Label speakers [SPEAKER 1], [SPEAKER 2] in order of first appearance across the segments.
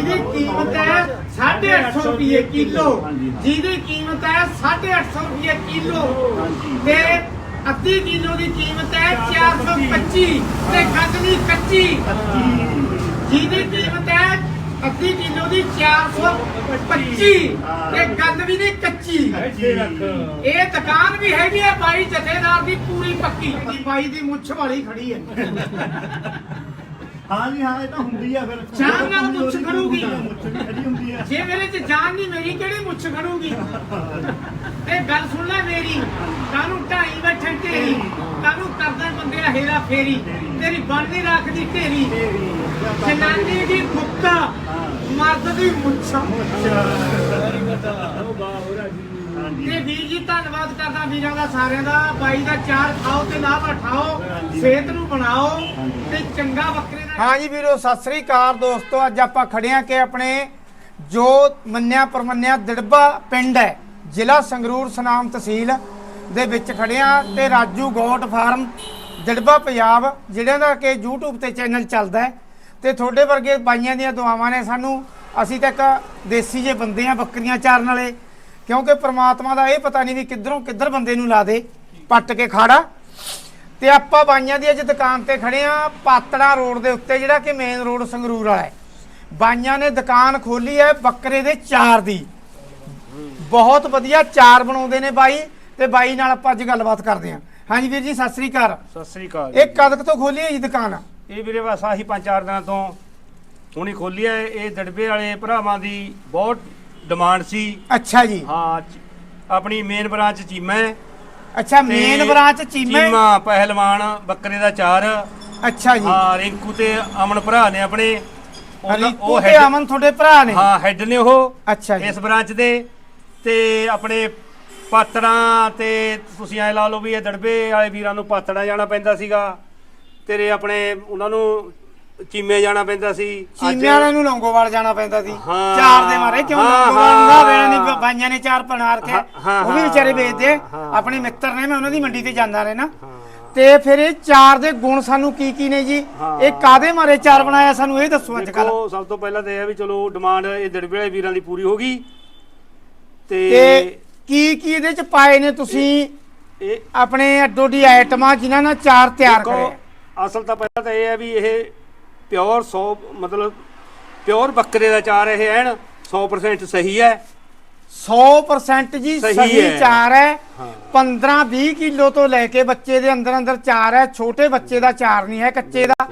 [SPEAKER 1] ਜਿਹਦੀ ਕੀਮਤ ਹੈ 850 ਰੁਪਏ ਕਿਲੋ, ਜਿਹਦੀ ਕੀਮਤ ਹੈ 850 ਰੁਪਏ ਕਿਲੋ ਤੇ ਅੱਧੀ ਕਿਲੋ ਦੀ ਕੀਮਤ ਹੈ 425 ਤੇ ਗੰਦਲੀ ਕੱਚੀ ਜਿਹਦੀ ਕੀਮਤ ਹੈ ਅੱਧੀ ਕਿਲੋ ਦੀ 425 ਤੇ ਗੰਦਲੀ ਦੀ ਕੱਚੀ। ਇਹ ਦੁਕਾਨ ਵੀ ਹੈਗੀ ਹੈ ਬਾਈ ਜਥੇਦਾਰ ਦੀ ਪੂਰੀ ਪੱਕੀ ਦੀ, ਬਾਈ ਦੀ ਮੁੱਛ ਵਾਲੀ ਖੜੀ ਹੈ।
[SPEAKER 2] हाँ जी हाँ ये तो ਹੁੰਦੀ ਆ ਫਿਰ
[SPEAKER 1] ਜਾਨ ਨਾਲ ਮੁੱਛ ਖੜੂਗੀ,
[SPEAKER 2] ਮੁੱਛ ਵੀ ਖੜੀ ਹੁੰਦੀ ਆ।
[SPEAKER 1] ਜੇ ਮੇਰੇ ਚ ਜਾਨ ਨਹੀਂ ਮੇਰੀ ਕਿਹੜੀ ਮੁੱਛ ਖੜੂਗੀ। ਤੇ ਗੱਲ ਸੁਣ ਲੈ ਮੇਰੀ, ਕਾਹਨੂੰ ਢਾਈ ਬੈਠੇ ਢੇਰੀ, ਕਾਹਨੂੰ ਕਰਦਾ ਬੰਦੇ ਦਾ ਹੇਰਾ ਫੇਰੀ, ਤੇਰੀ ਬਣਦੀ ਰੱਖਦੀ ਢੇਰੀ, ਜਨਾਨੀ ਦੀ ਮੁੱਕਾ ਮਰਦ ਦੀ ਮੁੱਛ। ਤੇ ਵੀਰ ਜੀ ਧੰਨਵਾਦ ਕਰਦਾ ਵੀਰਾਂ ਦਾ ਸਾਰਿਆਂ ਦਾ। ਬਾਈ ਦਾ ਚਾਰ ਖਾਓ ਤੇ ਲਾਭ ਉਠਾਓ, ਸਿਹਤ ਨੂੰ ਬਣਾਓ ਤੇ ਚੰਗਾ ਬੱਕਰੇ ਦਾ। ਹਾਂ ਜੀ ਵੀਰੋ ਸਤਿ ਸ੍ਰੀ ਅਕਾਲ ਦੋਸਤੋ, ਅੱਜ ਆਪਾਂ ਖੜੇ ਆ ਕਿ ਆਪਣੇ ਜੋ ਮੰਨਿਆ ਪਰਮੰਨਿਆ ਦਿੜਬਾ ਪਿੰਡ ਹੈ, ਜ਼ਿਲ੍ਹਾ ਸੰਗਰੂਰ, ਸੁਨਾਮ ਤਹਿਸੀਲ ਦੇ ਵਿੱਚ ਖੜੇ ਆ ਤੇ ਰਾਜੂ ਗੋਟ ਫਾਰਮ ਦਿੜਬਾ ਪੰਜਾਬ, ਜਿਹੜਿਆਂ ਦਾ ਕਿ YouTube ਤੇ ਚੈਨਲ ਚੱਲਦਾ ਹੈ ਤੇ ਤੁਹਾਡੇ ਵਰਗੇ ਬਾਈਆਂ ਦੀਆਂ ਦੁਆਵਾਂ ਨੇ ਸਾਨੂੰ। ਅਸੀਂ ਤਾਂ ਇੱਕ ਦੇਸੀ ਜੇ ਬੰਦੇ ਆ ਬੱਕਰੀਆਂ ਚਾਰਨ ਵਾਲੇ, ਕਿਉਂਕਿ ਪ੍ਰਮਾਤਮਾ ਦਾ ਇਹ ਪਤਾ ਨਹੀਂ ਵੀ ਕਿੱਧਰੋਂ ਕਿੱਧਰ ਬੰਦੇ ਨੂੰ ਲਾ ਦੇ ਪੱਟ ਕੇ ਖਾੜਾ। ਤੇ ਆਪਾਂ ਬਾਈਆਂ ਦੀ ਅੱਜ ਦੁਕਾਨ ਤੇ ਖੜੇ ਆ ਪਾਤੜਾ ਰੋਡ ਦੇ ਉੱਤੇ, ਜਿਹੜਾ ਕਿ ਮੇਨ ਰੋਡ ਸੰਗਰੂਰ ਵਾਲਾ ਹੈ। ਬਾਈਆਂ ਨੇ ਦੁਕਾਨ ਖੋਲੀ ਹੈ ਬੱਕਰੇ ਦੇ ਚਾਰ ਦੀ, ਬਹੁਤ ਵਧੀਆ ਚਾਰ ਬਣਾਉਂਦੇ ਨੇ ਬਾਈ, ਤੇ ਬਾਈ ਨਾਲ ਆਪਾਂ ਅੱਜ ਗੱਲਬਾਤ ਕਰਦੇ ਹਾਂ। ਹਾਂਜੀ ਵੀਰ ਜੀ ਸਤਿ ਸ੍ਰੀ ਅਕਾਲ।
[SPEAKER 3] ਸਤਿ ਸ੍ਰੀ ਅਕਾਲ।
[SPEAKER 1] ਇਹ ਕਦ ਤੋਂ ਖੋਲੀ ਹੈ ਜੀ ਦੁਕਾਨ?
[SPEAKER 3] ਇਹ ਵੀਰੇ ਬਸ ਆਹੀ 5-4 ਦਿਨਾਂ ਤੋਂ ਹੁਣੀ ਖੋਲੀ ਹੈ। ਇਹ ਦੜਬੇ ਵਾਲੇ ਭਰਾਵਾਂ ਦੀ ਬਹੁਤ ਡਿਮਾਂਡ ਸੀ।
[SPEAKER 1] ਅੱਛਾ ਜੀ।
[SPEAKER 3] ਹਾਂ ਆਪਣੀ ਮੇਨ ਬ੍ਰਾਂਚ ਚੀਮਾ ਹੈ।
[SPEAKER 1] ਅੱਛਾ ਮੇਨ ਬ੍ਰਾਂਚ ਚੀਮਾ
[SPEAKER 3] ਪਹਿਲਵਾਨ ਬੱਕਰੇ ਦਾ ਚਾਰ।
[SPEAKER 1] ਅੱਛਾ ਜੀ।
[SPEAKER 3] ਹਾਂ ਰਿੰਕੂ ਤੇ ਅਮਨ ਭਰਾ ਨੇ ਆਪਣੇ,
[SPEAKER 1] ਉਹ ਤੇ ਅਮਨ ਤੁਹਾਡੇ ਭਰਾ ਨੇ?
[SPEAKER 3] ਹਾਂ ਹੈਡ ਨੇ ਉਹ।
[SPEAKER 1] ਅੱਛਾ ਜੀ।
[SPEAKER 3] ਇਸ ਬ੍ਰਾਂਚ ਦੇ ਤੇ ਆਪਣੇ ਪਾਤੜਾਂ ਤੇ ਤੁਸੀਂ ਐ ਲਾ ਲਓ ਵੀ ਇਹ ਦੜਬੇ ਵਾਲੇ ਵੀਰਾਂ ਨੂੰ ਪਾਤੜਾਂ ਜਾਣਾ ਪੈਂਦਾ ਸੀਗਾ, ਤੇਰੇ ਆਪਣੇ ਉਹਨਾਂ ਨੂੰ ਚੀਮੇ ਜਾਣਾ ਪੈਂਦਾ ਸੀ,
[SPEAKER 1] ਚੀਮੇ ਵਾਲਿਆਂ ਨੂੰ ਲੌਂਗੋਵਾਲ ਜਾਣਾ ਪੈਂਦਾ ਸੀ
[SPEAKER 3] ਹਾਂ।
[SPEAKER 1] ਚਾਰ ਦੇ ਮਾਰੇ। ਕਿਉਂ ਲੌਂਗੋਵਾਲ ਦਾ ਵੇਲੇ ਨਹੀਂ ਬਾਈਆਂ ਨੇ ਚਾਰ ਬਣਾ ਕੇ ਉਹ ਵੀ ਵਿਚਾਰੇ ਵੇਚਦੇ, ਆਪਣੇ ਮਿੱਤਰ ਨੇ, ਮੈਂ ਉਹਨਾਂ ਦੀ ਮੰਡੀ ਤੇ ਜਾਂਦਾ ਰਹਿਣਾ। ਤੇ ਫਿਰ ਇਹ ਚਾਰ ਦੇ ਗੁਣ ਸਾਨੂੰ ਕੀ ਕੀ ਨੇ ਜੀ? ਇਹ ਕਾਦੇ ਮਾਰੇ ਚਾਰ ਬਣਾਇਆ ਸਾਨੂੰ ਇਹ ਦੱਸੋ ਅੱਜ ਕੱਲ।
[SPEAKER 3] ਸਭ ਤੋਂ ਪਹਿਲਾਂ ਤਾਂ ਇਹ ਆ ਵੀ ਚਲੋ ਡਿਮਾਂਡ ਇਹ ਦੜਬੇ ਵਾਲੇ ਵੀਰਾਂ ਦੀ ਪੂਰੀ ਹੋ ਗਈ। ਤੇ
[SPEAKER 1] ਕੀ ਕੀ ਇਹਦੇ ਚ ਪਾਏ ਨੇ ਤੁਸੀਂ
[SPEAKER 3] ਇਹ
[SPEAKER 1] ਆਪਣੇ ਅੱਡੋ ਡੀ ਆਈਟਮਾਂ ਜਿਨ੍ਹਾਂ ਨਾਲ ਚਾਰ ਤਿਆਰ ਕਰੇ?
[SPEAKER 3] ਅਸਲ ਤਾਂ ਪਹਿਲਾਂ ਤਾਂ ਇਹ ਹੈ ਵੀ ਇਹ ਪਿਓਰ 100 ਮਤਲਬ ਪਿਓਰ ਬੱਕਰੇ ਦਾ ਚਾਰ ਇਹ ਐਨ 100% ਸਹੀ ਹੈ।
[SPEAKER 1] 100% ਜੀ ਸਹੀ ਚਾਰ ਹੈ। 15-20 ਕਿਲੋ ਤੋਂ ਲੈ ਕੇ ਬੱਚੇ ਦੇ ਅੰਦਰ ਅੰਦਰ ਚਾਰ ਹੈ, ਛੋਟੇ ਬੱਚੇ ਦਾ ਚਾਰ ਨਹੀਂ ਹੈ, ਕੱਚੇ ਦਾ।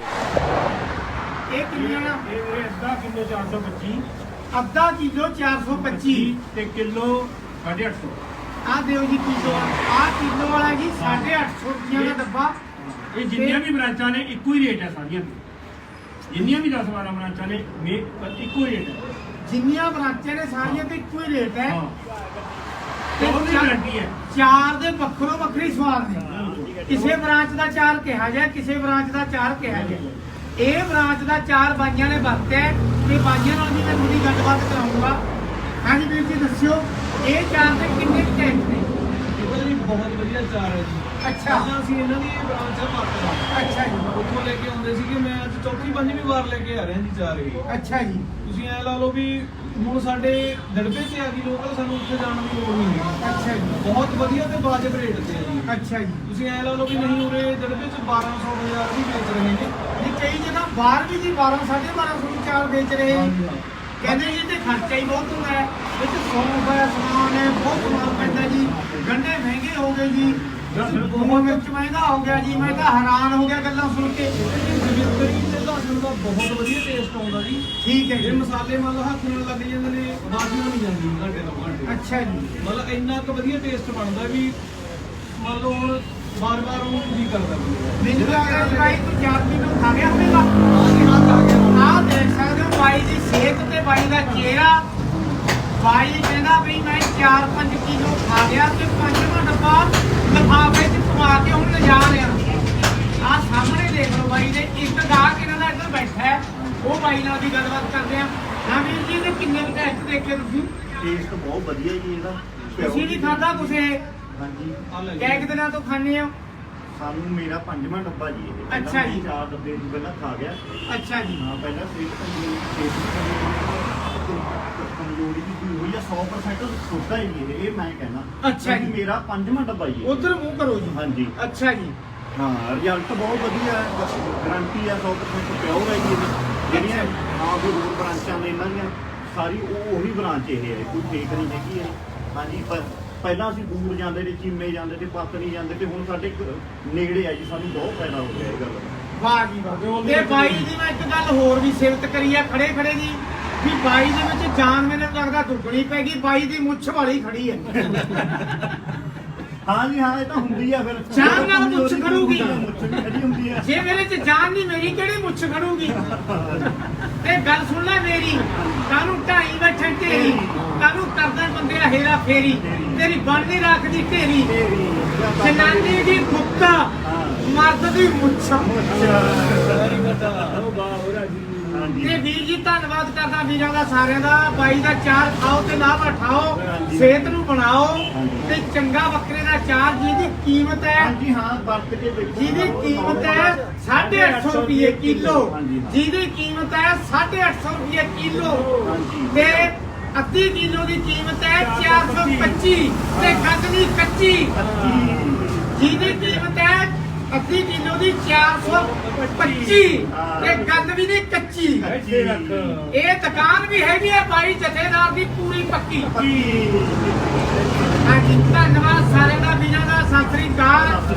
[SPEAKER 1] ਇਹ ਕਿੰਨਾ?
[SPEAKER 3] ਇਹ ਵੀਰੇ ਅੱਧਾ ਕਿਲੋ 425,
[SPEAKER 1] ਅੱਧਾ ਕਿਲੋ 425
[SPEAKER 3] ਤੇ ਕਿਲੋ 850।
[SPEAKER 1] ਆ ਦਿਓ ਜੀ ਕਿਲੋ, ਆ ਕਿਲੋ ਵਾਲਾ ਜੀ 850 ਰੁਪਏ ਦਾ ਡੱਬਾ।
[SPEAKER 3] ਇਹ ਜਿੰਨੀਆਂ ਵੀ ਬ੍ਰਾਂਚਾਂ ਨੇ ਇੱਕੋ ਹੀ ਰੇਟ ਹੈ ਸਾਰੀਆਂ ਦੇ, ਜਿੰਨੀਆਂ ਵੀ 10-12 ਬ੍ਰਾਂਚਾਂ ਨੇ ਇੱਕੋ ਹੀ ਰੇਟ ਹੈ।
[SPEAKER 1] ਜਿੰਨੀਆਂ ਬ੍ਰਾਂਚਾਂ ਨੇ ਸਾਰੀਆਂ ਤੇ ਇੱਕੋ ਹੀ ਰੇਟ ਹੈ।
[SPEAKER 3] ਉਹਦੀ ਗਾਰੰਟੀ ਹੈ।
[SPEAKER 1] ਚਾਰ ਦੇ ਵੱਖਰੋ ਵੱਖਰੀ ਸਵਾਦ ਨੇ। ਕਿਸੇ ਬ੍ਰਾਂਚ ਦਾ ਚਾਰ ਕਿਹਾ ਗਿਆ, ਕਿਸੇ ਬ੍ਰਾਂਚ ਦਾ ਚਾਰ ਕਿਹਾ ਗਿਆ। ਇਹ ਬ੍ਰਾਂਚ ਦਾ ਚਾਰ ਬਾਈਆਂ ਨੇ ਵਰਤਿਆ ਤੇ ਬਾਈਆਂ ਨਾਲ ਵੀ ਮੈਂ ਥੋੜੀ ਗੱਲਬਾਤ ਕਰਾਉਂਗਾ। ਹਾਂਜੀ ਵੀਰ ਜੀ ਦੱਸਿਓ ਇਹ ਚਾਰ ਦੇ ਕਿੰਨੇ ਟੈਂਕ ਨੇ?
[SPEAKER 4] ਇਹਦਾ ਜੀ ਬਹੁਤ ਵਧੀਆ ਚਾਰ ਹੈ ਜੀ।
[SPEAKER 1] ਅੱਛਾ।
[SPEAKER 4] ਅਸੀਂ ਇਹਨਾਂ ਦੀ ਬ੍ਰਾਂਚ ਆ ਪਾਤੜਾ।
[SPEAKER 1] ਅੱਛਾ ਜੀ।
[SPEAKER 4] ਉੱਥੋਂ ਲੈ ਕੇ ਆਉਂਦੇ ਸੀਗੇ, ਮੈਂ ਅੱਜ ਚੌਥੀ ਪੰਜਵੀਂ ਵਾਰ ਲੈ ਕੇ ਆ ਰਿਹਾ ਜੀ ਚਾਰ ਇਹ।
[SPEAKER 1] ਅੱਛਾ ਜੀ।
[SPEAKER 4] ਤੁਸੀਂ ਐ ਲਾ ਲਓ ਵੀ ਹੁਣ ਸਾਡੇ ਦੜਬੇ ਤੇ ਆ ਗਈ ਲੋਕਲ, ਸਾਨੂੰ ਉੱਥੇ ਜਾਣ ਦੀ ਲੋੜ ਨਹੀਂ ਹੈਗੀ।
[SPEAKER 1] ਅੱਛਾ ਜੀ।
[SPEAKER 4] ਬਹੁਤ ਵਧੀਆ ਤੇ ਵਾਜਬ ਰੇਟ ਤੇ ਆ ਜੀ।
[SPEAKER 1] ਅੱਛਾ ਜੀ।
[SPEAKER 4] ਤੁਸੀਂ ਐ ਲਾ ਲਓ ਵੀ ਨਹੀਂ ਉਰੇ ਦੜਬੇ ਚ 1200-1000 ਵੀ ਵੇਚ ਰਹੇ ਨੇ।
[SPEAKER 1] ਨਹੀਂ ਕਈ ਜਗ੍ਹਾ ਬਾਹਰ ਵੀ ਜੀ 1200-1250 ਨੂੰ ਚਾਰ ਵੇਚ ਰਹੇ ਨੇ। ਕਹਿੰਦੇ ਜੀ ਤੇ ਖਰਚਾ ਹੀ ਬਹੁਤ ਹੁੰਦਾ ਹੈ, ਵਿੱਚ ਸੌਂਫ ਹੈ, ਸਮਾਨ ਹੈ, ਬਹੁਤ ਸਮਾਨ ਪੈਂਦਾ ਜੀ। ਗੰਢੇ ਮਹਿੰਗੇ ਹੋ ਗਏ ਜੀ, ਬਹੁਤ ਮਿਰਚ ਮਹਿੰਗਾ ਹੋ ਗਿਆ ਜੀ। ਮੈਂ ਤਾਂ ਹੈਰਾਨ ਹੋ ਗਿਆ ਗੱਲਾਂ ਸੁਣ ਕੇ।
[SPEAKER 4] ਕਈ ਤੇ ਲਸਣ ਦਾ ਬਹੁਤ ਵਧੀਆ ਟੇਸਟ ਆਉਂਦਾ ਜੀ।
[SPEAKER 1] ਠੀਕ ਹੈ
[SPEAKER 4] ਇਹ
[SPEAKER 1] ਜੀ।
[SPEAKER 4] ਮਸਾਲੇ ਮੰਨ ਲਓ ਹੱਥ ਨਾਲ ਲੱਗ ਜਾਂਦੇ ਨੇ, ਬਾਜੀ ਨਹੀਂ ਜਾਂਦੀ ਘੰਟੇ ਤੋਂ ਘੰਟੇ।
[SPEAKER 1] ਅੱਛਾ ਜੀ।
[SPEAKER 4] ਮਤਲਬ ਇੰਨਾ ਕੁ ਵਧੀਆ ਟੇਸਟ ਬਣਦਾ ਵੀ ਮੰਨ ਲਓ ਹੁਣ ਬਾਰ-ਬਾਰ ਉਹਨੂੰ ਜੀ ਕਰਦਾ
[SPEAKER 1] ਮੈਨੂੰ ਲੱਗਦਾ ਜੀ ਬਾਈ ਤੂੰ 4 ਕਿਲੋ ਖਾ ਗਿਆ ਹੋਵੇਗਾ। ਆਹ ਦੇਖ ਸਕਦੇ ਹੋ ਬਾਈ ਦੀ ਸਿਹਤ ਤੇ ਬਾਈ ਦਾ ਚਿਹਰਾ। ਬਾਈ ਕਹਿੰਦਾ ਵੀ ਮੈਂ 4-5 ਕਿਲੋ ਖਾ ਗਿਆ ਤੇ 5ਵਾਂ ਡੱਬਾ ਲਿਫਾਫੇ 'ਚ ਪਵਾ ਕੇ ਹੁਣ ਲਿਜਾ ਰਿਹਾ। ਆਹ ਸਾਹਮਣੇ ਦੇਖ ਲਓ ਬਾਈ ਦੇ ਇੱਕ ਗਾਹਕ ਇਹਨਾਂ ਦਾ ਇੱਧਰ ਬੈਠਾ ਹੈ, ਉਹ ਬਾਈ ਨਾਲ ਵੀ ਗੱਲਬਾਤ ਕਰਦੇ ਆ। ਹਾਂ ਵੀਰ ਜੀ ਇਹਦੇ ਕਿੰਨੇ ਕੁ ਟੈਸਟ ਦੇਖੇ ਤੁਸੀਂ?
[SPEAKER 2] ਟੇਸਟ ਬਹੁਤ ਵਧੀਆ ਜੀ ਇਹਦਾ।
[SPEAKER 1] ਤੁਸੀਂ ਨਹੀਂ ਖਾਧਾ ਕੁਛ ਇਹ?
[SPEAKER 2] ਹਾਂਜੀ।
[SPEAKER 1] ਕਿੰਨੇ ਦਿਨਾਂ ਤੋਂ ਖਾਂਦੇ ਹੋ?
[SPEAKER 2] ਸਾਨੂੰ ਮੇਰਾ 5ਵਾਂ ਡੱਬਾ ਜੀ ਇਹ।
[SPEAKER 1] ਅੱਛਾ ਜੀ।
[SPEAKER 2] 4 ਡੱਬੇ ਪਹਿਲਾਂ ਖਾ ਗਿਆ।
[SPEAKER 1] ਅੱਛਾ ਜੀ।
[SPEAKER 2] ਹਾਂ ਪਹਿਲਾਂ ਸਿਹਤ 100% ਸੁੱਧਾ ਹੀ ਜੀ ਇਹ ਮੈਂ ਕਹਿਣਾ।
[SPEAKER 1] ਅੱਛਾ ਜੀ।
[SPEAKER 2] ਮੇਰਾ 5ਵਾਂ ਡੱਬਾ ਜੀ ਇਹ।
[SPEAKER 1] ਉਧਰ ਮੂੰਹ ਕਰੋ ਜੀ।
[SPEAKER 2] ਹਾਂਜੀ
[SPEAKER 1] ਅੱਛਾ ਜੀ।
[SPEAKER 2] ਹਾਂ ਰਿਜ਼ਲਟ ਬਹੁਤ ਵਧੀਆ ਹੈ, ਗਾਰੰਟੀ ਆ 100% ਪਿਓਰ ਹੈ ਜੀ ਇਹਦੀ। ਜਿਹੜੀਆਂ ਕੋਈ ਹੋਰ ਬ੍ਰਾਂਚਾਂ ਨੇ ਇਹਨਾਂ ਦੀਆਂ ਸਾਰੀ ਉਹੀ ਬ੍ਰਾਂਚ ਇਹ ਹੈ, ਕੋਈ ਫੇਕ ਨਹੀਂ ਹੈਗੀ ਹੈ। ਹਾਂਜੀ ਪਹਿਲਾਂ ਅਸੀਂ ਦੂਰ ਜਾਂਦੇ ਤੇ ਚੀਮੇ ਜਾਂਦੇ ਤੇ ਪਤਨੀ ਜਾਂਦੇ ਤੇ ਹੁਣ ਸਾਡੇ ਨੇੜੇ ਆ ਜੀ, ਸਾਨੂੰ ਬਹੁਤ ਫਾਇਦਾ ਹੋ ਗਿਆ ਇਹ ਗੱਲ।
[SPEAKER 1] ਵਾਹ ਜੀ ਵਾਹ। ਤੇ ਬਾਈ ਦੀ ਮੈਂ ਇੱਕ ਗੱਲ ਹੋਰ ਵੀ ਸਿਫਤ ਕਰੀ ਆ ਖੜੇ ਖੜੇ ਦੀ ਵੀ ਬਾਈ ਦੇ ਵਿੱਚ ਜਾਨ ਮੈਨੂੰ ਲੱਗਦਾ ਦੁੱਗਣੀ ਪੈ ਗਈ। ਬਾਈ ਦੀ ਮੁੱਛ ਵਾਲੀ ਖੜੀ ਹੈ।
[SPEAKER 2] ਹਾਂ ਜੀ ਹਾਂ, ਇਹ ਤਾਂ ਹੁੰਦੀ ਆ ਫਿਰ
[SPEAKER 1] ਜਾਨ ਨਾਲ ਮੁੱਛ ਖੜੂਗੀ।
[SPEAKER 2] ਮੁੱਛ ਵੀ ਖੜੀ ਹੁੰਦੀ ਆ।
[SPEAKER 1] ਜੇ ਮੇਰੇ ਚ ਜਾਨ ਨਹੀਂ ਮੇਰੀ ਕਿਹੜੀ ਮੁੱਛ ਖੜੂਗੀ। ਤੇ ਗੱਲ ਸੁਣ ਲੈ ਮੇਰੀ, ਕਾਹਨੂੰ ਢਾਈ ਬੈਠੇ ਢੇਰੀ, ਕਾਹਨੂੰ ਕਰਦਾ ਬੰਦੇ ਦਾ ਹੇਰਾ ਫੇਰੀ, ਤੇਰੀ ਬਣਦੀ ਰੱਖਦੀ ਢੇਰੀ, ਜਨਾਨੀ ਦੀ ਗੁੱਤਾ ਮਰਦ ਦੀ ਮੁੱਛ। ਤੇ ਵੀਰ ਜੀ ਧੰਨਵਾਦ ਕਰਦਾ ਵੀਰਾਂ ਦਾ ਸਾਰਿਆਂ ਦਾ। ਬਾਈ ਦਾ ਚਾਰ ਖਾਓ ਤੇ ਲਾਭ ਉਠਾਓ, ਸਿਹਤ ਨੂੰ ਬਣਾਓ ਤੇ ਚੰਗਾ ਬੱਕਰੇ ਦਾ ਚਾਰ ਜਿਹਦੀ ਕੀਮਤ ਹੈ,
[SPEAKER 2] ਹਾਂਜੀ ਹਾਂ, ਵਰਤ ਕੇ ਦੇਖੋ।
[SPEAKER 1] ਜਿਹਦੀ ਕੀਮਤ ਹੈ 850 ਰੁਪਏ ਕਿਲੋ, ਜਿਹਦੀ ਕੀਮਤ ਹੈ 850 ਰੁਪਏ ਕਿਲੋ ਤੇ ਅੱਧੀ ਕਿਲੋ ਦੀ ਕੀਮਤ ਹੈ 425 ਤੇ ਗੱਦਨੀ ਕੱਚੀ, ਜਿਹਦੀ ਕੀਮਤ ਹੈ ਅੱਧੀ ਕਿਲੋ ਦੀ 425 ਤੇ ਗੰਦ ਵੀ ਨਹੀਂ ਕੱਚੀ। ਇਹ ਦੁਕਾਨ ਵੀ ਹੈਗੀ ਹੈ ਬਾਈ ਜਥੇਦਾਰ ਦੀ ਪੂਰੀ ਪੱਕੀ। ਹਾਂਜੀ ਧੰਨਵਾਦ ਸਾਰਿਆਂ ਦਾ ਵੀਰਾਂ ਦਾ। ਸਤਿ ਸ੍ਰੀ ਅਕਾਲ।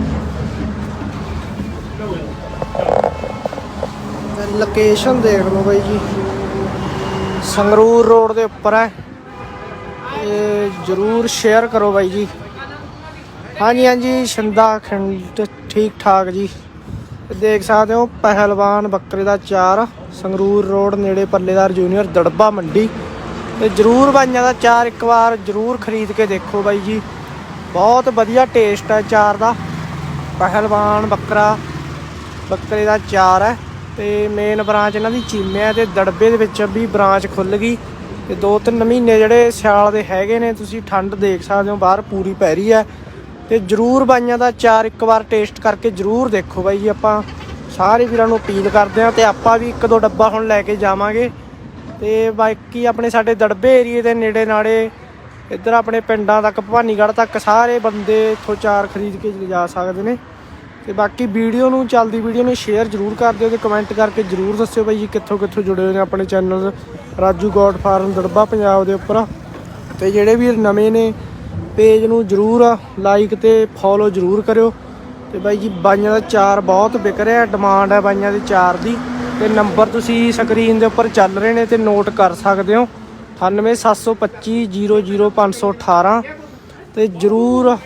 [SPEAKER 5] ਲੋਕੇਸ਼ਨ ਦੇਖ ਲਓ ਬਾਈ ਜੀ, ਸੰਗਰੂਰ ਰੋਡ ਦੇ ਉੱਪਰ ਹੈ। ਇਹ ਜਰੂਰ ਸ਼ੇਅਰ ਕਰੋ ਬਾਈ ਜੀ। ਹਾਂਜੀ ਹਾਂਜੀ ਸ਼ਿੰਦਾ ਖੰਡ ਠੀਕ ਠਾਕ ਜੀ। ਦੇਖ ਸਕਦੇ ਹੋ ਪਹਿਲਵਾਨ ਬੱਕਰੇ ਦਾ ਚਾਰ, ਸੰਗਰੂਰ ਰੋਡ ਨੇੜੇ ਪੱਲੇਦਾਰ ਜੂਨੀਅਰ ਦੜਬਾ ਮੰਡੀ। ਤੇ ਜਰੂਰ ਬਾਈਆਂ ਦਾ ਚਾਰ ਇੱਕ ਵਾਰ ਜਰੂਰ ਖਰੀਦ ਕੇ ਦੇਖੋ ਬਾਈ ਜੀ, ਬਹੁਤ ਵਧੀਆ ਟੇਸਟ ਹੈ ਚਾਰ ਦਾ। ਪਹਿਲਵਾਨ ਬੱਕਰੇ ਦਾ ਚਾਰ ਹੈ ਤੇ ਮੇਨ ਬ੍ਰਾਂਚ ਇਹਨਾਂ ਦੀ ਚੀਮੇ ਹੈ ਤੇ ਦੜਬੇ ਦੇ ਵਿੱਚ ਵੀ ਬ੍ਰਾਂਚ ਖੁੱਲ ਗਈ। ਤੇ 2-3 ਮਹੀਨੇ ਜਿਹੜੇ ਸਿਆਲ ਦੇ ਹੈਗੇ ਨੇ, ਤੁਸੀਂ ਠੰਡ ਦੇਖ ਸਕਦੇ ਹੋ ਬਾਹਰ ਪੂਰੀ ਪੈ ਰਹੀ ਹੈ। ਤੇ ਜਰੂਰ ਬਾਈਆਂ ਦਾ ਚਾਰ ਇੱਕ ਵਾਰ ਟੇਸਟ ਕਰਕੇ ਜਰੂਰ ਦੇਖੋ ਬਾਈ ਜੀ। ਆਪਾਂ ਸਾਰੇ ਵੀਰਾਂ ਨੂੰ ਅਪੀਲ ਕਰਦੇ ਹਾਂ ਤੇ ਆਪਾਂ ਵੀ 1-2 ਡੱਬਾ ਹੁਣ ਲੈ ਕੇ ਜਾਵਾਂਗੇ। ਤੇ ਬਾਕੀ ਆਪਣੇ ਸਾਡੇ ਦੜਬੇ ਏਰੀਏ ਦੇ ਨੇੜੇ ਨਾੜੇ ਇੱਧਰ ਆਪਣੇ ਪਿੰਡਾਂ ਤੱਕ ਭਵਾਨੀਗੜ੍ਹ ਤੱਕ ਸਾਰੇ ਬੰਦੇ ਇੱਥੋਂ ਚਾਰ ਖਰੀਦ ਕੇ ਲਿਜਾ ਸਕਦੇ ਨੇ। ਤੇ ਬਾਕੀ ਵੀਡੀਓ ਨੂੰ ਚੱਲਦੀ ਵੀਡੀਓ ਨੂੰ ਸ਼ੇਅਰ ਜਰੂਰ ਕਰ ਦਿਓ ਤੇ ਕਮੈਂਟ ਕਰਕੇ ਜਰੂਰ ਦੱਸਿਓ ਬਾਈ ਜੀ ਕਿੱਥੋਂ ਜੁੜੇ ਹੋਏ ਨੇ ਆਪਣੇ channel Raju goat farm Dirba Punjab ਦੇ ਉੱਪਰ। ਤੇ ਜਿਹੜੇ ਵੀਰ ਨਵੇਂ ਨੇ ਪੇਜ ਨੂੰ ਜਰੂਰ ਲਾਈਕ ਤੇ ਫੋਲੋ ਜਰੂਰ ਕਰਿਓ। ਤੇ ਬਾਈ ਜੀ ਬਾਈਆਂ ਦਾ ਚਾਰ ਬਹੁਤ ਵਿਕ ਰਿਹਾ, ਡਿਮਾਂਡ ਹੈ ਬਾਈਆਂ ਦੇ ਚਾਰ ਦੀ। ਤੇ ਨੰਬਰ ਤੁਸੀਂ ਸਕਰੀਨ ਦੇ ਉੱਪਰ ਚੱਲ ਰਹੇ ਨੇ ਤੇ ਨੋਟ ਕਰ ਸਕਦੇ ਹੋ 98725 00518। ਤੇ ਜਰੂਰ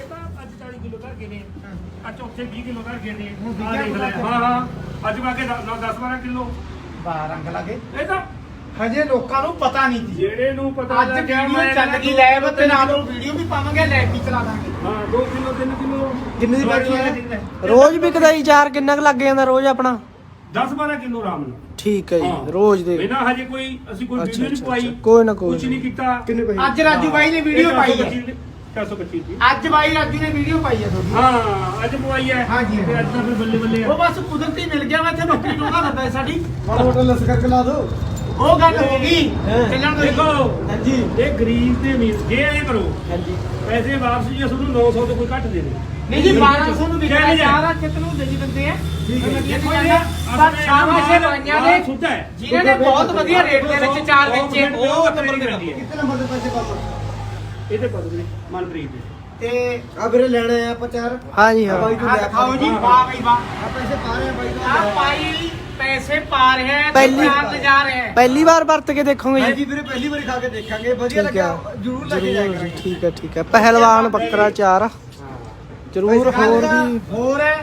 [SPEAKER 3] ਚੌਥੇ 20 ਕਿਲੋ ਧਰ ਗਏ ਨੇ। ਹਾਂ ਅੱਜ ਵਾਕੇ 10-12 ਕਿਲੋ
[SPEAKER 1] ਰੰਗ ਲਾਗੇ।
[SPEAKER 3] ਇਹ ਤਾਂ
[SPEAKER 1] ਹਜੇ ਲੋਕਾਂ ਨੂੰ ਪਤਾ ਨਹੀਂ ਸੀ।
[SPEAKER 3] ਜਿਹੜੇ ਨੂੰ ਪਤਾ
[SPEAKER 1] ਅੱਜ ਵੀਡੀਓ ਚੱਲ ਗਈ ਲੈਬ ਤੇ ਨਾਲ ਉਹ ਵੀਡੀਓ ਵੀ ਪਾਵਾਂਗੇ, ਲੈਬ ਵੀ ਚਲਾ ਦਾਂਗੇ।
[SPEAKER 3] ਹਾਂ 2 ਕਿਲੋ 3 ਕਿਲੋ
[SPEAKER 1] ਕਿੰਨੇ ਦੀ ਪੈਕਿੰਗ ਹੈ?
[SPEAKER 5] ਰੋਜ਼ ਵਿਕਦਾ ਜੀ ਚਾਰ? ਕਿੰਨਾ ਕੁ ਲੱਗ ਜਾਂਦਾ ਰੋਜ਼ ਆਪਣਾ?
[SPEAKER 3] 10-12 ਕਿਲੋ ਆਰਾਮ ਨਾਲ।
[SPEAKER 5] ਠੀਕ ਹੈ ਜੀ ਰੋਜ਼ ਦੇ।
[SPEAKER 3] ਬਿਨਾਂ ਹਜੇ ਕੋਈ ਅਸੀਂ ਕੋਈ ਵੀਡੀਓ ਨਹੀਂ ਪਾਈ,
[SPEAKER 5] ਕੋਈ ਨਾ ਕੋਈ
[SPEAKER 3] ਕੁਝ ਨਹੀਂ ਕੀਤਾ।
[SPEAKER 1] ਅੱਜ ਰਾਜੂ ਬਾਈ ਨੇ ਵੀਡੀਓ ਪਾਈ ਹੈ।
[SPEAKER 3] 425 ਦੀ
[SPEAKER 1] ਅੱਜ ਬਾਈ ਰਾਜੂ ਨੇ ਵੀਡੀਓ ਪਾਈ ਹੈ ਤੁਹਾਡੀ।
[SPEAKER 3] ਹਾਂ ਅੱਜ ਪਵਾਈ ਹੈ।
[SPEAKER 1] ਹਾਂਜੀ
[SPEAKER 3] ਤੇ ਅੱਜ ਤਾਂ ਫਿਰ ਬੱਲੇ ਬੱਲੇ
[SPEAKER 1] ਉਹ ਬਸ ਕੁਦਰਤੀ ਮਿਲ ਗਿਆ। ਮੈਂ ਇੱਥੇ ਬੱਕਰੀ ਟੋਗਾ ਲੱਗਾ ਸਾਡੀ
[SPEAKER 4] ਮਾੜਾ ਮੋਟਾ ਲੱਸ ਕਰਕੇ ਲਾ ਦੋ।
[SPEAKER 1] ਉਹ ਗੱਲ ਹੋ ਗਈ। ਚੱਲਣ ਦੋ।
[SPEAKER 3] ਦੇਖੋ
[SPEAKER 1] ਹਾਂਜੀ
[SPEAKER 3] ਇਹ ਗਰੀਬ ਤੇ ਅਮੀਰ ਜੇ ਐ ਕਰੋ
[SPEAKER 1] ਹਾਂਜੀ
[SPEAKER 3] ਪੈਸੇ ਵਾਪਸ ਜੀ ਤੁਹਾਨੂੰ 900 ਤੋਂ ਕੋਈ ਘੱਟ ਦੇ ਦੇ।
[SPEAKER 1] ਨਹੀਂ ਜੀ 1200 ਨੂੰ ਵਿਕਦਾ ਚਾਰਾ ਕਿਤਨੂੰ ਦੇ ਦਿੰਦੇ ਆ।
[SPEAKER 3] ਠੀਕ ਹੈ
[SPEAKER 1] ਦੇਖੋ ਪਰ ਸ਼ਾਬਾਸ਼ ਹੈ ਬਾਈਆਂ ਦੇ
[SPEAKER 3] ਸੁੱਧਾ ਹੈ
[SPEAKER 1] ਜਿਨ੍ਹਾਂ ਨੇ ਬਹੁਤ ਵਧੀਆ ਰੇਟ ਦੇ ਵਿੱਚ ਚਾਰ ਵੇਚੇ। ਉਹ ਨੰਬਰ ਦੇ ਦਿੰਦੀ ਹੈ।
[SPEAKER 4] ਕਿੰਨੇ ਨੰਬਰ ਦੇ ਪੈਸੇ ਪਾਪਾ?
[SPEAKER 3] ਇਹਦੇ ਪਦ ਵੀਰੇ ਮਨਪ੍ਰੀਤ ਦੇ
[SPEAKER 1] ਤੇ
[SPEAKER 4] ਆ ਵੀਰੇ ਲੈਣੇ ਆ ਆਪਾਂ ਚਾਰ।
[SPEAKER 5] ਹਾਂਜੀ ਹਾਂ
[SPEAKER 1] ਆ ਦਿਖਾਓ ਜੀ ਵਾਹ ਬਈ ਵਾਹ।
[SPEAKER 4] ਆ ਪੈਸੇ ਪਾ ਰਹੇ ਆ ਬਾਈ ਦਾ।
[SPEAKER 1] ਆ ਭਾਈ ਪੈਸੇ ਪਾ ਰਿਹਾ ਹੈ ਤੇ
[SPEAKER 5] ਪਹਿਲੀ-
[SPEAKER 1] ਚਾਰ ਲਿਜਾ ਰਿਹਾ ਹੈ।
[SPEAKER 5] ਪਹਿਲੀ ਵਾਰ ਵਰਤ ਕੇ ਦੇਖੋਗੇ ਜੀ?
[SPEAKER 4] ਹਾਂਜੀ ਵੀਰੇ ਪਹਿਲੀ ਵਾਰੀ ਖਾ ਕੇ ਦੇਖਾਂਗੇ, ਵਧੀਆ
[SPEAKER 5] ਠੀਕ
[SPEAKER 4] ਲੱਗਿਆ
[SPEAKER 5] ਹੈ
[SPEAKER 4] ਜਰੂਰ ਲੈ ਕੇ ਜਾਇਆ
[SPEAKER 5] ਜਰੂਰ ਜੀ।
[SPEAKER 4] ਕਰਾਂਗੇ।
[SPEAKER 5] ਠੀਕ ਹੈ ਪਹਿਲਵਾਨ ਬੱਕਰਾ ਚਾਰ ਜਰੂਰ। ਹੋਰ ਵੀ
[SPEAKER 1] ਹੋਰ ਹੈ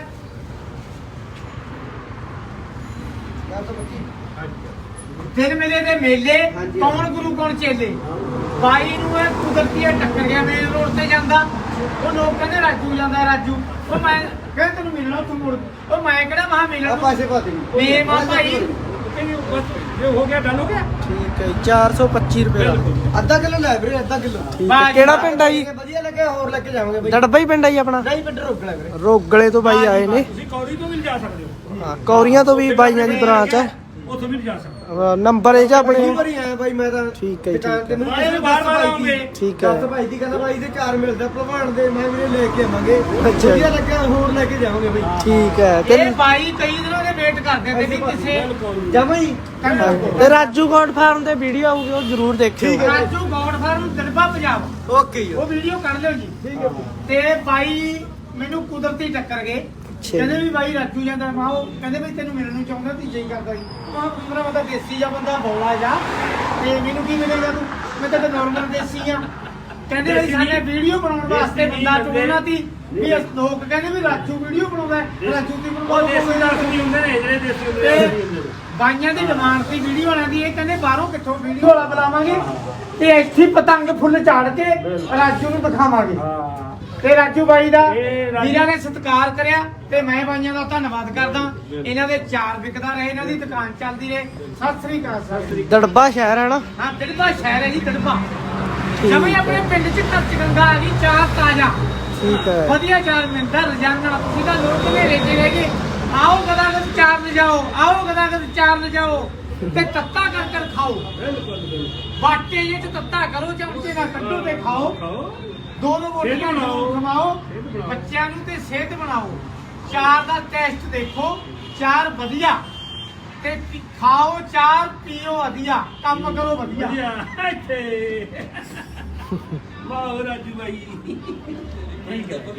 [SPEAKER 1] ਦਿਨ ਮਿਲੇ ਤੇ ਮੇਲੇ, ਕੌਣ ਗੁਰੂ ਕੌਣ ਚੇਲੇ। ਬਾਈ ਨੂੰ ਇਹ ਕੁਦਰਤੀ ਟੱਕਰ ਗਿਆ ਮੇਨ ਰੋਡ ਤੇ ਜਾਂਦਾ। ਉਹ ਲੋਕ ਕਹਿੰਦੇ ਰਾਜੂ ਜਾਂਦਾ ਰਾਜੂ। ਉਹ ਮੈਂ ਕਹਿੰਦਾ ਤੈਨੂੰ ਮਿਲਣਾ ਉੱਥੋਂ ਮੁੜ। ਉਹ ਮੈਂ ਕਿਹੜਾ ਮਹਾ
[SPEAKER 4] ਆ
[SPEAKER 1] ਮਿਲਣਾ
[SPEAKER 4] ਪੈਸੇ ਪਾ ਦੇ।
[SPEAKER 1] ਮੇ ਮਾ ਭਾਈ
[SPEAKER 3] ਇਹ ਹੋ ਗਿਆ ਡਨ ਹੋ ਗਿਆ।
[SPEAKER 5] ਠੀਕ ਹੈ 425 ਰੁਪਏ ਦਾ।
[SPEAKER 4] ਅੱਧਾ ਕਿਲੋ ਲੈ ਵੀਰੇ, ਅੱਧਾ ਕਿਲੋ।
[SPEAKER 5] ਠੀਕ ਹੈ ਕਿਹੜਾ ਪਿੰਡ ਆ ਜੀ?
[SPEAKER 4] ਵਧੀਆ ਲੱਗਿਆ, ਹੋਰ ਲੈ ਕੇ ਜਾਵਾਂਗੇ ਬਾਈ।
[SPEAKER 5] ਦੜਬਾ ਹੀ ਪਿੰਡ ਆ ਜੀ ਆਪਣਾ?
[SPEAKER 4] ਨਹੀਂ ਪਿੰਡ ਰੋਕਣਾ ਵੀਰੇ।
[SPEAKER 5] ਰੋਗਲੇ ਤੋਂ ਬਾਈ ਆਏ ਨੇ।
[SPEAKER 3] ਤੁਸੀਂ ਕੌੜੀ ਤੋਂ ਵੀ ਲਿਜਾ ਸਕਦੇ ਹੋ।
[SPEAKER 5] ਹਾਂ ਕੌਰੀਆਂ ਤੋਂ ਵੀ ਬਾਈਆਂ ਦੀ ਬ੍ਰਾਂਚ ਹੈ।
[SPEAKER 3] ਉੱਥੋਂ ਵੀ ਨਹੀਂ ਜਾ ਸਕਦਾ।
[SPEAKER 5] ਨੰਬਰ ਇਹ ਜਾਂ ਆਪਣੇ
[SPEAKER 1] ਵਾਰੀ ਆਇਆ ਬਾਈ ਮੈਂ ਤਾਂ
[SPEAKER 5] ਠੀਕ ਹੈ ਜੀ,
[SPEAKER 1] ਦੁਕਾਨ
[SPEAKER 5] ਠੀਕ
[SPEAKER 1] ਤੇ
[SPEAKER 5] ਹੈ।
[SPEAKER 1] ਮੈਨੂੰ
[SPEAKER 3] ਬਾਹਰ
[SPEAKER 1] ਕਿਸੇ ਨੇ
[SPEAKER 3] ਬਾਹਰ
[SPEAKER 1] ਦੱਸ
[SPEAKER 3] ਆਉਂਗੇ।
[SPEAKER 5] ਠੀਕ ਹੈ।
[SPEAKER 1] ਦੱਸ ਭਾਈ ਦੀ ਕਹਿੰਦਾ ਭਾਈ ਦੇ 4 ਮਿਲਦਾ ਭਲਵਾਨ ਦੇ, ਮੈਂ ਵੀਰੇ ਲੈ ਕੇ ਆਵਾਂਗੇ।
[SPEAKER 5] ਅੱਛਾ।
[SPEAKER 1] ਵਧੀਆ ਲੱਗਿਆ, ਹੋਰ ਲੈ ਕੇ ਜਾਵਾਂਗੇ ਬਾਈ।
[SPEAKER 5] ਠੀਕ ਹੈ
[SPEAKER 1] ਇਹ ਬਾਈ ਕਈ ਦਿਨਾਂ ਦੇ ਵੇਟ ਕਰਦੇ ਤੇ ਵੀ ਕਿਸੇ ਜਮਾਂ ਹੀ
[SPEAKER 5] ਤੇ ਰਾਜੂ ਗੋਡ ਫਾਰਮ ਤੇ ਵੀਡੀਓ ਆਊਗੀ, ਉਹ ਜ਼ਰੂਰ ਦੇਖਿਓ।
[SPEAKER 1] Raju goat farm Dirba Punjab,
[SPEAKER 6] okay ਜੀ।
[SPEAKER 1] ਉਹ ਵੀਡੀਓ ਕੱਢ ਲਿਓ ਜੀ। ਠੀਕ ਹੈ। ਤੇ ਬਾਈ ਮੈਨੂੰ ਕੁਦਰਤੀ ਟੱਕਰ ਗਏ, ਕਹਿੰਦੇ ਵੀ ਬਾਈ ਰਾਜੂ ਜਾਂਦਾ। ਮੈਂ ਉਹ ਕਹਿੰਦੇ ਵੀ ਤੈਨੂੰ ਮਿਲਣ ਨੂੰ ਚਾਹੁੰਦਾ, ਤੀਜੇ ਹੀ ਕਰਦਾ ਸੀ। ਮੈਂ ਮੇਰਾ ਬੰਦਾ ਦੇਸੀ ਜਾਂ ਬੰਦਾ ਬੋਲਾ ਜਾ, ਤੇ ਮੈਨੂੰ ਕੀ ਮਿਲੇਗਾ ਤੂੰ, ਮੈਂ ਤਾਂ ਨਾਰਮਲ ਦੇਸੀ ਆ। ਕਹਿੰਦੇ ਵੀ ਸਾਡੇ ਵੀਡੀਓ ਬਣਾਉਣ ਵਾਸਤੇ ਬੰਦਾ ਚੁਣਨਾ ਸੀ ਵੀ ਲੋਕ ਕਹਿੰਦੇ ਵੀ ਰਾਜੂ ਵੀਡੀਓ ਬਣਾਉਂਦਾ ਹੈ, ਰਾਜੂ ਦੀ
[SPEAKER 3] ਉਹ ਦੇਸੀ ਦਰਦ ਨਹੀਂ ਹੁੰਦੇ ਨੇ, ਜਿਹੜੇ ਦੇਸੀ ਹੁੰਦੇ
[SPEAKER 1] ਤੇ
[SPEAKER 3] ਨੇ।
[SPEAKER 1] ਬਾਈਆਂ ਦੀ ਡਿਮਾਂਡ ਸੀ ਵੀਡੀਓ ਵਾਲਿਆਂ ਦੀ, ਇਹ ਕਹਿੰਦੇ ਬਾਹਰੋਂ ਕਿੱਥੋਂ ਵੀਡੀਓ ਵਾਲਾ ਬੁਲਾਵਾਂਗੇ ਤੇ ਇੱਥੇ ਹੀ ਪਤੰਗ ਫੁੱਲ ਝਾੜ ਕੇ ਰਾਜੂ ਨੂੰ ਦਿਖਾਵਾਂਗੇ।
[SPEAKER 3] ਹਾਂ
[SPEAKER 1] ਤੇ ਰਾਜੂ ਬਾਈ ਦਾ
[SPEAKER 3] ਇਹ ਰਾਜੂ-
[SPEAKER 1] ਵੀਰਾਂ ਨੇ ਸਤਿਕਾਰ ਕਰਿਆ ਤੇ ਮੈਂ ਬਾਈਆਂ ਦਾ ਧੰਨਵਾਦ ਕਰਦਾ। ਇਹਨਾਂ ਦੇ 4 ਵਿਕਦਾ ਰਹੇ, ਇਹਨਾਂ ਦੀ ਦੁਕਾਨ ਚੱਲਦੀ ਰਹੇ। ਸਤਿ ਸ੍ਰੀ ਅਕਾਲ। ਸਤਿ ਸ੍ਰੀ
[SPEAKER 5] ਦੜਬਾ ਸ਼ਹਿਰ ਹੈ ਨਾ?
[SPEAKER 1] ਅਕਾਲ। ਹਾਂ, ਦਿੜਬਾ ਸ਼ਹਿਰ ਹੈ ਜੀ, ਦਿੜਬਾ। ਜਮੇ ਆਪਣੇ ਪਿੰਡ ਚ ਕੱਚ ਗੰਗਾ ਆ ਗਈ, ਚਾਰ ਤਾਜ਼ਾ
[SPEAKER 5] ਠੀਕ ਹੈ।
[SPEAKER 1] ਵਧੀਆ ਚਾਰ ਮਿੰਟਾਂ ਰਜਾਨਾ। ਤੁਸੀਂ ਤਾਂ ਲੋਕ ਘਨੇਰੇ ਚ ਰਹਿ ਗਏ। ਆਓ ਗਦਾਗਦ ਚਾਰ ਲਿਜਾਓ, ਆਓ ਗਦਾਗਦ ਚਾਰ ਲਿਜਾਓ ਤੇ ਤੱਤਾ ਕਰ ਕਰ ਖਾਓ। ਬਾਟੇ ਜੇ ਚ ਤੱਤਾ ਕਰੋ, ਚਮਚੇ ਨਾਲ ਕੱਢੋ ਤੇ ਖਾਓ। ਦੋ ਰੋਟੀਆਂ ਜ਼ਰੂਰ ਖਵਾਓ ਬੱਚਿਆਂ ਨੂੰ ਤੇ ਸਿਹਤ ਬਣਾਓ। ਚਾਰ ਦਾ ਟੈਸਟ ਦੇਖੋ, ਚਾਰ ਵਧੀਆ ਤੇ ਖਾਓ, ਚਾਰ ਪੀਓ ਵਧੀਆ, ਕੰਮ ਕਰੋ ਵਧੀਆ।
[SPEAKER 3] ਵਧੀਆ ਇੱਥੇ ਵਾਹ ਰਾਜੂ ਬਾਈ। ਠੀਕ ਹੈ।